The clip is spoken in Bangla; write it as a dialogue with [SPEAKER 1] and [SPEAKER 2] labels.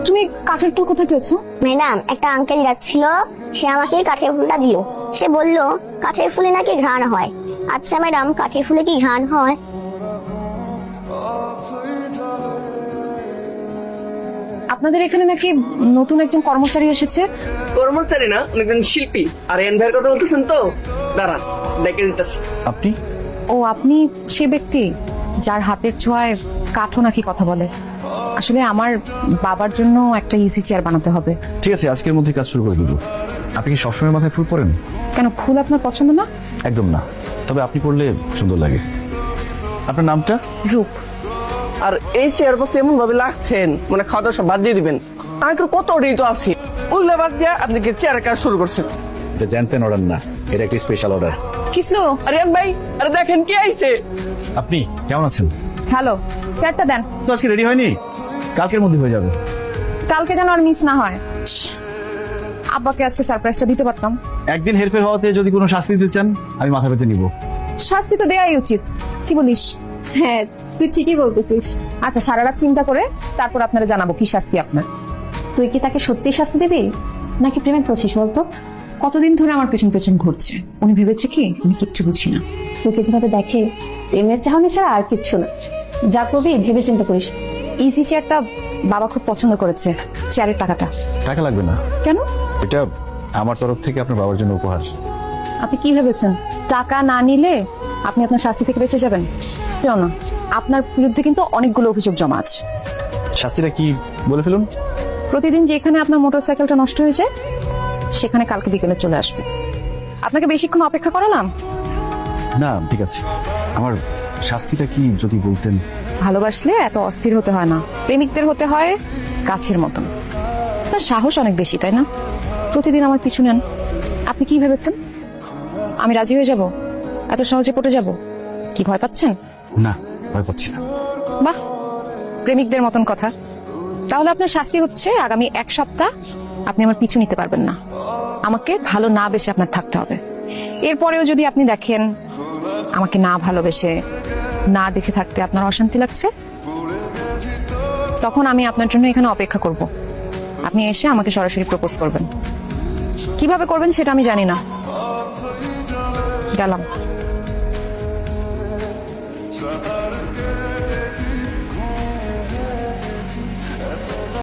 [SPEAKER 1] তুমি কাঠের ফুল কোথায় পেয়েছো?
[SPEAKER 2] ম্যাডাম, একটা আঙ্কেল যাচ্ছিল, সে আমাকে কাঠের ফুলটা দিল। সে বলল কাঠের ফুলে নাকি ঘ্রাণ হয়। আচ্ছা ম্যাডাম, কাঠের ফুলে কি ঘ্রাণ হয়?
[SPEAKER 1] আপনাদের এখানে নাকি নতুন একজন কর্মচারী এসেছে।
[SPEAKER 3] কর্মচারী না, একজন শিল্পী। আর এন ভাইয়ের কথা বলতেছেন তো? দাঁড়ান, ডেকে দিতেছি।
[SPEAKER 4] আপনি?
[SPEAKER 1] ও, আপনি সে ব্যক্তি যার হাতের ছোঁয়ায় কাঠও নাকি কথা বলে। আসলে আমার বাবার জন্য একটা ইজি চেয়ার বানাতে হবে।
[SPEAKER 4] ঠিক আছে, আজকের মধ্যে কাজ শুরু করে দেবো। আপনি কি সবসময় মাথায় ফুল পরেন?
[SPEAKER 1] কেন, ফুল আপনার পছন্দ না?
[SPEAKER 4] একদম না, তবে আপনি পরলে সুন্দর লাগে। আপনার নামটা?
[SPEAKER 1] রূপ।
[SPEAKER 3] আর এই চেয়ার বসে এমন ভাবে লাগছেন, মানে খাওয়া দাওয়া সব বাদ দিয়ে দিবেন। আমি তো কত রেট আছে, ওইগুলো বাদ দিয়ে আপনি কি চেয়ারের কাজ শুরু করছেন?
[SPEAKER 4] এটা জানতেন অর্ডার না, এটা একটা স্পেশাল অর্ডার।
[SPEAKER 1] কিসলো?
[SPEAKER 3] আরে এন ভাই, আরে দেখেন কি আইছে।
[SPEAKER 4] আপনি কেমন আছেন?
[SPEAKER 1] হ্যালো, চেয়ারটা দেন।
[SPEAKER 4] তো আজকে রেডি হয়নি, কালকের মধ্যে হয়ে যাবে।
[SPEAKER 1] কালকে যেন আর মিস না হয়। আব্বাকে আজকে সারপ্রাইজটা দিতে পারতাম।
[SPEAKER 4] একদিন হেরফের হওয়াতে যদি কোনো শাস্তি দিতে চান, আমি মাথা পেতে নিব।
[SPEAKER 1] শাস্তি তো দেয়াই উচিত, কি বলিস? হ্যাঁ, তুই ঠিকই বলতেছিস। আচ্ছা, সারা রাত চিন্তা করে তারপর আপনারা জানাবো কি শাস্তি আপনার। তুই কি তাকে সত্যি শাস্তি দিবি নাকি প্রেমে পড়ছিস বলতো? কতদিন ধরে আমার পেছন পেছন ঘুরছে, উনি ভেবেছে কি আমি কিচ্ছু বুঝি না।
[SPEAKER 2] তোকে যেভাবে দেখে, প্রেমের চাহনি ছাড়া আর কিচ্ছু না। যা করবি ভেবে চিন্তা করিস।
[SPEAKER 1] ইজি চেয়ারটা বাবা খুব পছন্দ করেছে। চেয়ারের টাকাটা
[SPEAKER 4] টাকা লাগবে না।
[SPEAKER 1] কেন?
[SPEAKER 4] এটা আমার তরফ থেকে আপনার বাবার জন্য উপহার।
[SPEAKER 1] আপনি কি ভেবেছেন টাকা না নিলে আপনি আপনার শাস্তি থেকে বেঁচে যাবেন? কেউ না, আপনার বিরুদ্ধে কিন্তু অনেকগুলো অভিযোগ জমা আছে।
[SPEAKER 4] শাস্তিটা কি বলে ফেলুন।
[SPEAKER 1] প্রতিদিন যেখানে আপনার মোটরসাইকেলটা নষ্ট হয়ে যায়, সেখানে কালকে বিকেলে চলে আসবে। আপনাকে বেশিক্ষণ অপেক্ষা করালাম?
[SPEAKER 4] না, ঠিক আছে। আমার শাস্তিটা কি যদি বলতেন।
[SPEAKER 1] ভালোবাসলে এত অস্থির হতে হয় না, প্রেমিকদের হতে হয় গাছের মতন। তার সাহস অনেক বেশি, তাই না? প্রতিদিন আমার পিছু নেন। আপনি কি ভেবেছেন আমি রাজি হয়ে যাব? এত সহজে পটে যাব? কি ভয় পাচ্ছেন?
[SPEAKER 4] না, ভয় পাচ্ছি না।
[SPEAKER 1] বাহ, প্রেমিকদের মতন কথা। তাহলে আপনার শাস্তি হচ্ছে আগামী 1 সপ্তাহ আপনি আমার পিছু নিতে পারবেন না। আমাকে ভালো না বেশে আপনার থাকতে হবে। এরপরেও যদি আপনি দেখেন আমাকে না ভালোবেসে না দেখে থাকতে আপনার অশান্তি লাগছে, তখন আমি আপনার জন্য এখানে অপেক্ষা করব। আপনি এসে আমাকে সরাসরি প্রপোজ করবেন। কিভাবে করবেন সেটা আমি জানি না। গেলাম।